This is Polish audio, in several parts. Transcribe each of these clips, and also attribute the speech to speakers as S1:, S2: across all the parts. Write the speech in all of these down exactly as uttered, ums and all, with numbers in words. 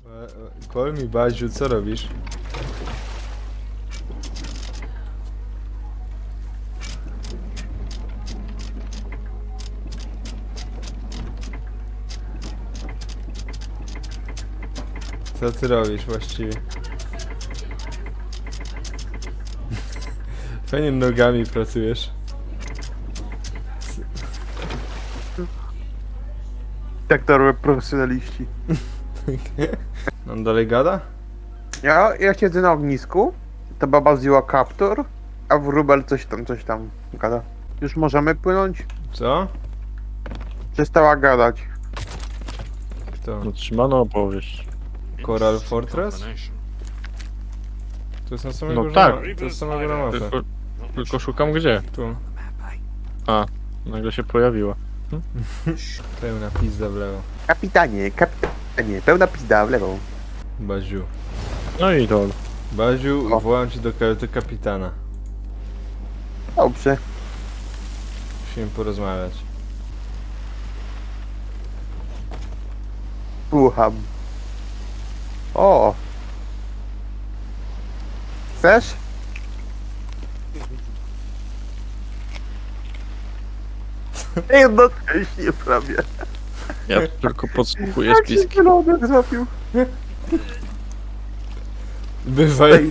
S1: Call me Baziu, co robisz? Co ty robisz właściwie? Fajnie nogami pracujesz.
S2: Tak to robią profesjonaliści.
S1: On dalej gada?
S2: Ja, ja siedzę na ognisku, ta baba zdjęła kaptur, a wróbel coś tam, coś tam gada. Już możemy płynąć?
S1: Co?
S2: Przestała gadać.
S1: Kto?
S3: Utrzymano opowieść.
S1: Coral Fortress? To jest na samej
S3: No
S1: górze
S3: tak.
S1: ma- To jest sama góra mapy.
S3: Tylko, tylko szukam gdzie.
S1: Tu.
S3: A, nagle się pojawiła.
S1: Pełna pizda w lewo.
S2: Kapitanie, kapitanie, pełna pizda w lewą.
S1: Baziu.
S3: No i to.
S1: Baziu,
S2: O.
S1: wołam cię do kajuty kapitana.
S2: Dobrze.
S1: Musimy porozmawiać.
S2: Słucham. O! Chcesz? Jednocześnie prawie.
S3: Ja tylko podsłuchuję
S2: Jak się
S3: spiski.
S2: zielony zrobił.
S1: Bywaj.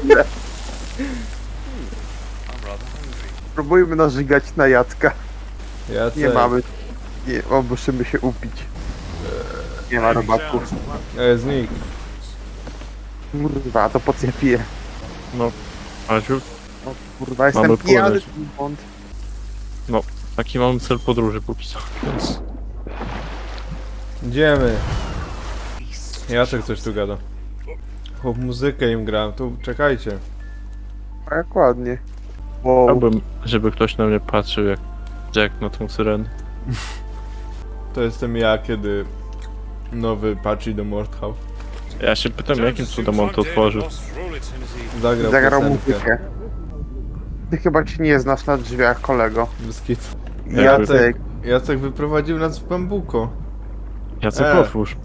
S2: Próbujmy narzygać na Jacka.
S1: Jacek.
S2: Nie mamy. Nie, o, musimy się upić. Nie ma robaków.
S1: E, znik.
S2: Kurwa, to po co ja piję?
S3: No, Aziu,
S2: O, kurwa, jestem
S3: Mamy
S2: pijany.
S3: płynąć.
S2: Błąd.
S3: taki mam cel podróży póki co, więc...
S1: Idziemy. Jacek coś tu gada. Chłop muzykę im gra. Tu czekajcie.
S2: Tak ładnie. Wow.
S3: Chciałbym, żeby ktoś na mnie patrzył jak Jack na tą syrenę.
S1: To jestem ja, kiedy nowy patrzy do Mordhau.
S3: Ja się pytam, jakim cudem on to otworzył.
S1: Zagrał,
S2: Zagrał
S1: piosenkę.
S2: muzykę. Ty chyba się nie znasz na drzwiach, kolego.
S1: Bez kitu.
S3: Jakby-
S2: Jacek.
S1: Jacek wyprowadził nas w bambuko.
S3: Jacek,
S1: E.
S3: otwórz.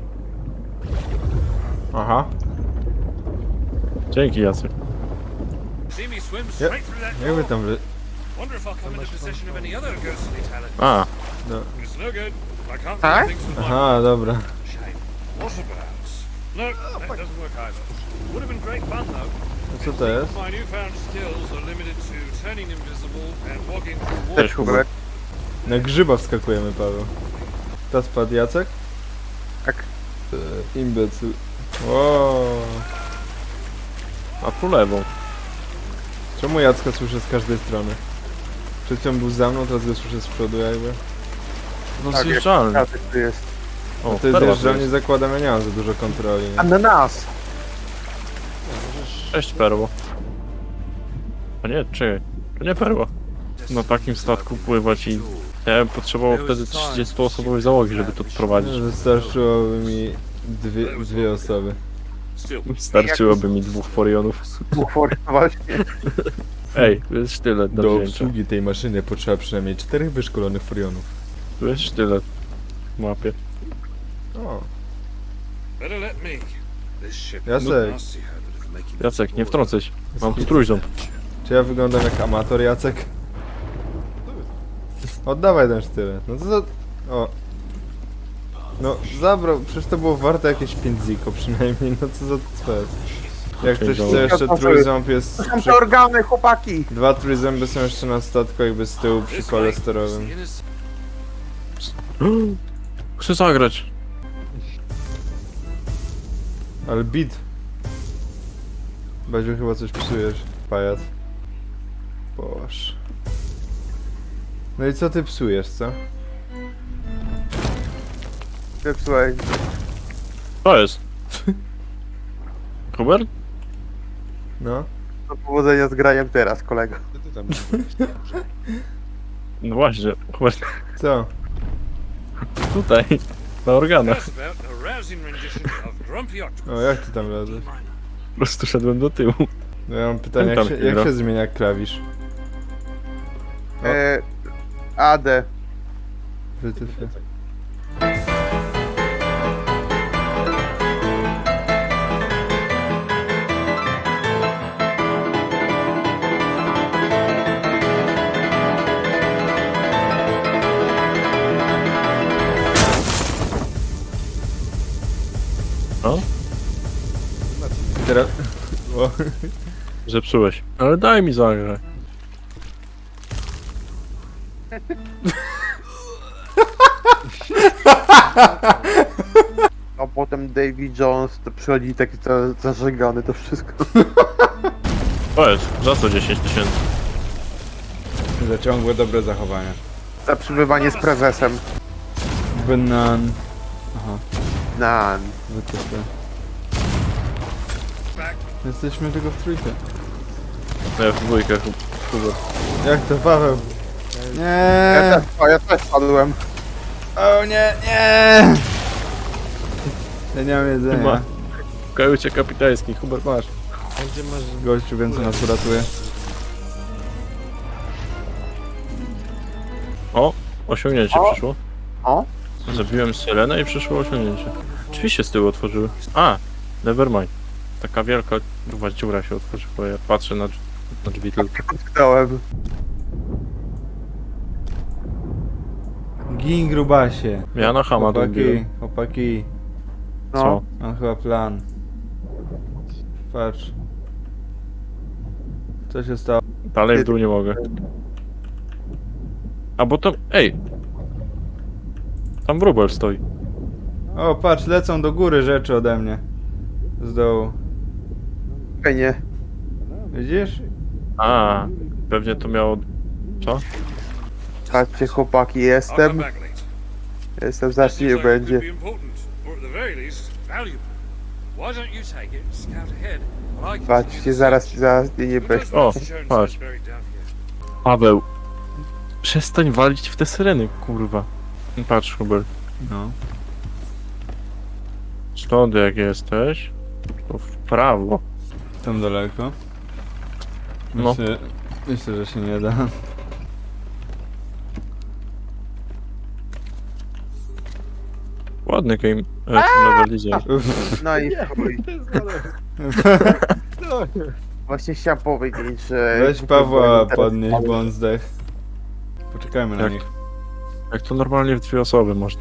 S1: Aha.
S3: Dzięki, Jacek.
S1: Ja, jak wy tam wy...
S3: A,
S1: No.
S2: Tak?
S1: Aha, dobra.
S4: No, that doesn't work either. Would have been great fun though.
S1: A co to jest?
S4: My newfound skills are limited to turning invisible and walking through water.
S2: Też Hubert.
S1: Na grzyba wskakujemy, Paweł. To spadł Jacek?
S2: Tak.
S1: E, imbecyl. Wow.
S3: a tu lewą.
S1: Czemu Jacka słyszę z każdej strony? Przed chwilą był za mną, teraz go słyszę z przodu jakby.
S3: No
S2: Tak,
S3: zjeżdżalny.
S2: Jacek tu jest.
S3: O,
S1: No to jest
S3: perła
S1: wiesz, że
S3: tu
S1: nie
S3: jest.
S1: zakładam, ja nie mam za dużo kontroli. Nie?
S2: Ananas.
S3: Cześć, perło. A nie, czekaj. To nie perła. Na takim statku pływać i... Ja bym potrzebował wtedy trzydziestoosobowej załogi, żeby to odprowadzić.
S1: Wystarczyłoby mi dwie, dwie osoby.
S4: Still,
S3: Starczyłoby mi dwóch forionów.
S2: Bufor, właśnie.
S3: Ej, tu jest sztylet do
S1: Do
S3: wzięcia.
S1: obsługi tej maszyny potrzeba przynajmniej czterech wyszkolonych forionów.
S3: Tu jest sztylet. W mapie.
S1: O,
S4: better let me. This ship
S1: Jacek.
S4: must see habit of making
S3: Jacek, nie wtrącaj się. Mam tu trójząb.
S1: czy ja wyglądam jak amator, Jacek? Oddawaj ten sztylet. No to za... O. No, zabrał, przecież to było warte jakieś pięć ziko przynajmniej, no co za cwet. Jak ktoś chce jeszcze trójząb jest...
S2: To są
S1: Przy...
S2: te organy, chłopaki.
S1: Dwa trójzęby są jeszcze na statku jakby z tyłu przy kole sterowym.
S3: Chcę zagrać.
S1: Ale bit. Baziu, chyba coś psujesz, pajac. Boż. No i co ty psujesz, co?
S2: Słuchaj,
S3: To jest. Hubert?
S1: No?
S2: do powodzenia z graniem teraz, kolego.
S3: No właśnie, Hubert.
S1: Co?
S3: Tutaj. Na organach.
S4: Just about a rousing rendition of Grumpy Octopus.
S1: O, jak ty tam lezesz?
S3: Po prostu szedłem do tyłu.
S1: No ja mam pytanie, jak
S3: Tam
S1: się,
S3: chwilę.
S1: jak się zmienia klawisz? O.
S2: E, A D.
S1: Wytyfy.
S3: No,
S1: Teraz... O,
S3: zepsułeś. Ale daj mi zagrać.
S2: A potem Davy Jones to przychodzi taki za- zażegany to wszystko.
S3: To jest, za co dziesięć tysięcy?
S1: za ciągłe dobre zachowania.
S2: Za przybywanie z prezesem.
S1: Banan. Aha,
S2: Nan.
S1: wytyfy. Jesteśmy tylko w trójkę.
S3: No ja w dwójkę, Hubert.
S1: Jak to, Paweł?
S2: Ja
S1: Nie!
S2: też, o, ja też padłem.
S1: O nie, nie! Ja nie mam jedzenia.
S3: Chyba. W kajucie kapitańskiej, Hubert masz.
S1: Gościu więcej nas uratuje.
S3: O, osiągnięcie
S2: O.
S3: przyszło.
S2: O,
S3: Zabiłem syrenę i przyszło osiągnięcie. Drzwi się z tyłu otworzyły. A, nevermind. Taka wielka gruba dziura się otworzyła, ja patrzę na, drz- na drzwi tylko.
S2: utknąłem.
S1: Gin grubasie.
S3: Ja na hama
S1: Chłopaki,
S3: dobiłem.
S1: chłopaki.
S2: No.
S3: Co?
S1: Mam chyba plan. Patrz. Co się stało?
S3: Dalej w dół nie mogę. A bo tam, ej! Tam wróbel stoi.
S1: O, patrz, lecą do góry rzeczy ode mnie. Z dołu.
S2: Fajnie.
S1: Widzisz?
S3: A, pewnie to miało... Co?
S2: Patrzcie chłopaki,
S4: I'll come
S2: jestem.
S4: back later.
S2: Jestem,
S4: That
S2: zacznie
S4: seems like it
S2: będzie.
S4: could be important, or at the very least, valuable. Why don't you take it and scout ahead while I continue
S2: Patrzcie,
S4: the
S2: zaraz,
S4: search?
S2: zaraz nie, nie
S4: But
S2: będzie.
S4: those
S3: O,
S4: notes shown
S3: patrz.
S4: is buried down here.
S3: Paweł! Przestań walić w te syreny, kurwa. Patrz, Hubert.
S1: No.
S3: Stąd jak jesteś, to w prawo.
S1: Tam daleko.
S3: No.
S1: Myślę, myślę, że się nie da.
S3: Ładny game, e, level design.
S2: No i chuj. Właśnie chciałem powiedzieć, że...
S1: Weź Pawła podnieść, bo on zdech. Poczekajmy na
S3: Jak?
S1: nich.
S3: Jak to normalnie w dwie osoby można.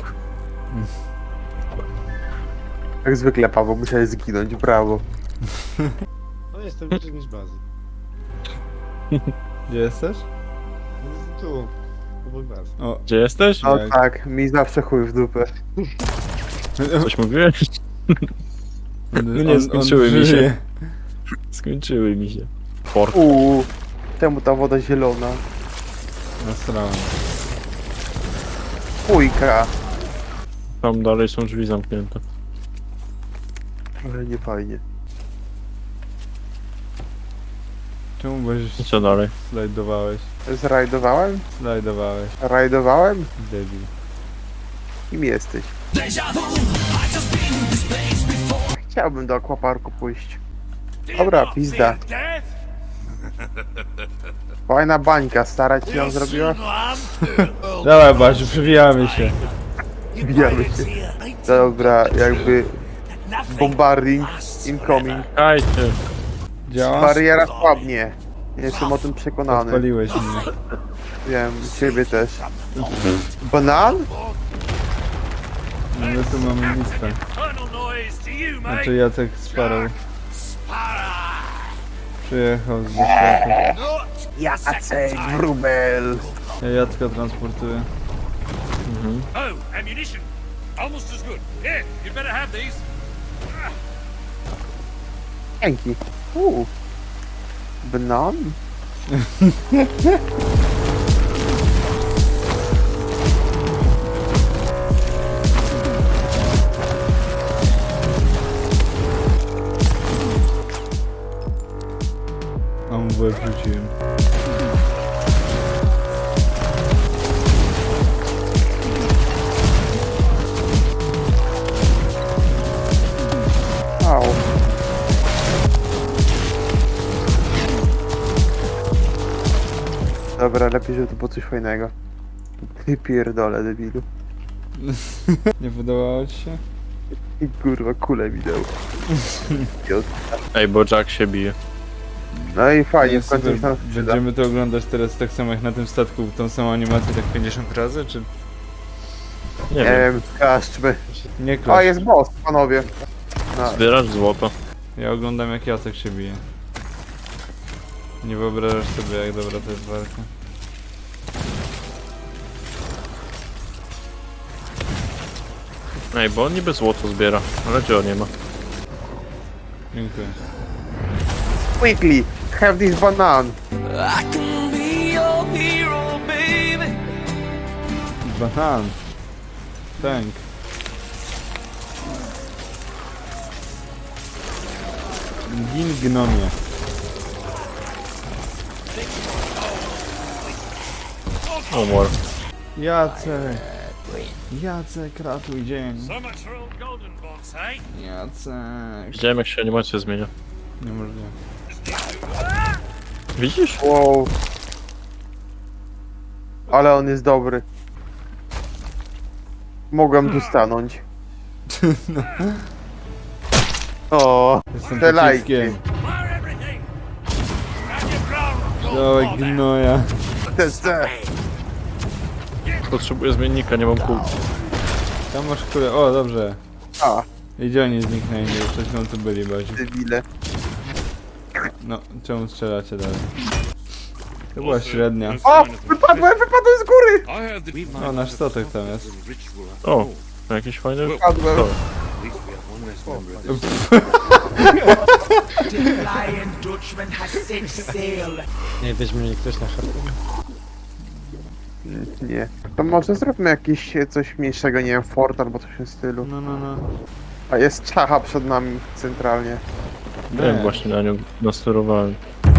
S2: Jak zwykle Paweł musiałeś zginąć, brawo.
S5: No jestem bliżej niż bazy.
S1: Gdzie jesteś?
S5: Tu, obok bazy.
S1: O,
S3: Gdzie jesteś?
S2: No
S1: Jak?
S2: tak, mi zawsze chuj w dupę.
S3: Coś mówiłeś?
S1: no
S3: nie, skończyły mi się.
S1: żyje.
S3: Skończyły mi się. Pork.
S2: Uuu, czemu ta woda zielona?
S1: Nasrałem.
S2: Chujka.
S3: Tam dalej są drzwi zamknięte.
S2: Ale nie fajnie.
S1: Czemu byś
S3: I co dalej?
S1: slajdowałeś?
S2: Zrajdowałem?
S1: Slajdowałeś.
S2: Rajdowałem?
S1: Debil.
S2: Kim jesteś? Chciałbym do akwaparku pójść. Dobra, pizda. Fajna bańka, stara ci ją zrobiła?
S1: Dawaj Basiu, przybijamy się.
S2: Bijamy się. Dobra, jakby... Bombarding incoming.
S3: Kajcie!
S1: Działa?
S2: Bariera słabnie. Nie jestem o tym przekonany.
S1: Odpaliłeś mnie.
S2: Wiem, ciebie też. Banan?
S1: No my tu mamy listę.
S4: Tunnel noise to you, mate.
S1: Znaczy Jacek Sparrow przyjechał z Wyszlaku.
S2: Jacek Wróbel.
S1: Ja Jacka transportuję.
S3: Mhm.
S4: Oh, ammunition. Almost as good. Here, you'd better have these.
S2: Dzięki. Uuu. Banan?
S1: A mu w łeb rzuciłem.
S2: Au. Dobra, lepiej, żeby to było coś fajnego. Ty pierdolę, debilu.
S1: Nie podobało ci się?
S2: I kurwa, kulę mi dał. Idiot.
S3: Ej, bo Jack się bije.
S2: No i fajnie,
S1: Nie,
S2: w końcu
S1: super.
S2: się tam przyda.
S1: Będziemy to oglądać teraz tak samo jak na tym statku, tą samą animację tak pięćdziesiąt razy, czy
S3: Nie
S2: Nie
S3: wiem.
S2: wiem, klaszczmy.
S1: nie
S2: O,
S1: klasz?
S2: jest boss, panowie. No,
S3: Zbierasz złoto.
S1: Ja oglądam jak Jacek się bije. Nie wyobrażasz sobie jak dobra to jest walka.
S3: Ej, bo on niby złoto zbiera, ale gdzie on nie ma?
S1: Dziękuję.
S2: quickly, have this banan.
S1: Banan. Tank. Gin gnomie.
S3: Umor.
S1: Jacek. Jacek, ratuj dzień.
S4: So much for old Golden Box, eh?
S1: Jacek.
S3: Widziałem jak się animacja zmienia.
S1: Niemożliwe.
S3: Widzisz?
S2: Wow. Ale on jest dobry. Mogłem tu stanąć. O,
S1: Jestem
S2: te lajki.
S1: pociskiem.
S4: Fire everything! Stand your ground,
S1: Dawaj
S4: Golden Box!
S1: gnoja.
S2: T C.
S3: Potrzebuję zmiennika, nie mam kół.
S1: Tam masz kulę. O, dobrze.
S2: A,
S1: I gdzie oni zniknęli? Już przed chwilą tu byli bardziej.
S2: debile.
S1: No, czemu strzelacie dalej? To była średnia.
S2: O, wypadłem, wypadłem z góry!
S4: I heard that we might
S1: O, nasz
S4: have
S1: statek tam
S4: a
S1: jest.
S4: ritual.
S3: O, jakiś fajny...
S2: Wypadłem.
S3: To.
S4: At least we have one less member of this.
S6: The Lion Dutchman has set sail.
S5: Nie, weźmie mnie ktoś na harpun.
S2: Nie. To może zróbmy jakieś e, coś mniejszego, nie wiem, fort albo coś w tym stylu.
S1: No, no, no.
S2: A jest czacha przed nami centralnie.
S3: Nie wiem, właśnie na nią nasterowałem.